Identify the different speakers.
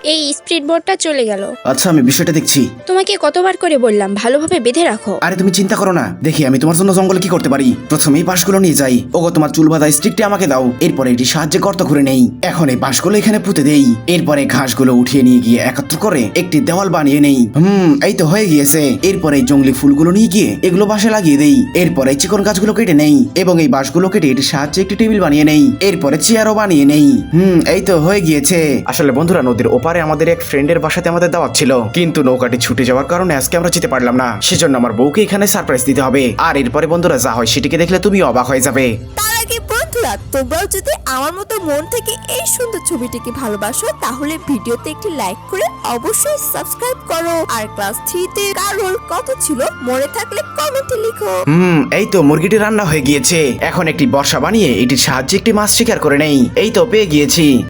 Speaker 1: এই স্পিড বোটটা চলে গেল।
Speaker 2: আচ্ছা আমি বিষয়টা দেখছি।
Speaker 1: তোমাকে কতবার করে বললাম ভালোভাবে বেঁধে রাখো।
Speaker 2: আরে তুমি চিন্তা করো না, দেখি আমি তোমার জন্য জঙ্গলে কি করতে পারি। প্রথমে এই বাঁশগুলো নিয়ে যাই। ওগো তোমার চুল বাঁধা স্টিকটি আমাকে দাও। এরপরে এটি সাহায্যে গর্ত করে নেই। এখন এই বাঁশগুলো এখানে পুঁতে দেই। এরপরে ঘাসগুলো উঠিয়ে নিয়ে গিয়ে একত্র করে একটি দেওয়াল বানিয়ে নেই। এই তো হয়ে গিয়েছে। এরপরে এই জঙ্গলি ফুলগুলো নিয়ে গিয়ে এগুলো বাসে লাগিয়ে দেই। এরপরে চিকন গাছগুলো কেটে নেই এবং এই বাঁশগুলো কেটে এটির সাহায্যে একটি টেবিল বানিয়ে নেই। এরপরে চেয়ারও বানিয়ে নেই। এই তো হয়ে গিয়েছে। আসলে বন্ধুরা, নদীর ওপারে আমাদের এক ফ্রেন্ডের বাসাতে আমাদের দাওয়াত ছিল, কিন্তু নৌকাটি ছুটে যাওয়ার কারণে আজকে আমরা যেতে পারলাম না। সেজন্য আমার বউকে এখানে সারপ্রাইজ দিতে হবে। আর এরপরে বন্ধুরা যা হয় সেটিকে দেখলে তুমি অবাক হয়ে যাবে।
Speaker 3: তার আগে বন্ধুরা, তোমরাও যদি আমার মতো মন থেকে এই সুন্দর ছবিটিকে ভালোবাসো তাহলে ভিডিওতে একটি লাইক করে অবশ্যই সাবস্ক্রাইব করো। আর ক্লাস 3 তে কার রোল কত ছিল মনে থাকলে কমেন্টে লিখো।
Speaker 2: এই তো মুরগিটি রান্না হয়ে গিয়েছে। এখন একটি বর্ষা বানিয়ে এটির সাহায্যে একটি মাছ শিকার করে নেই। এই তো পেয়ে গিয়েছি।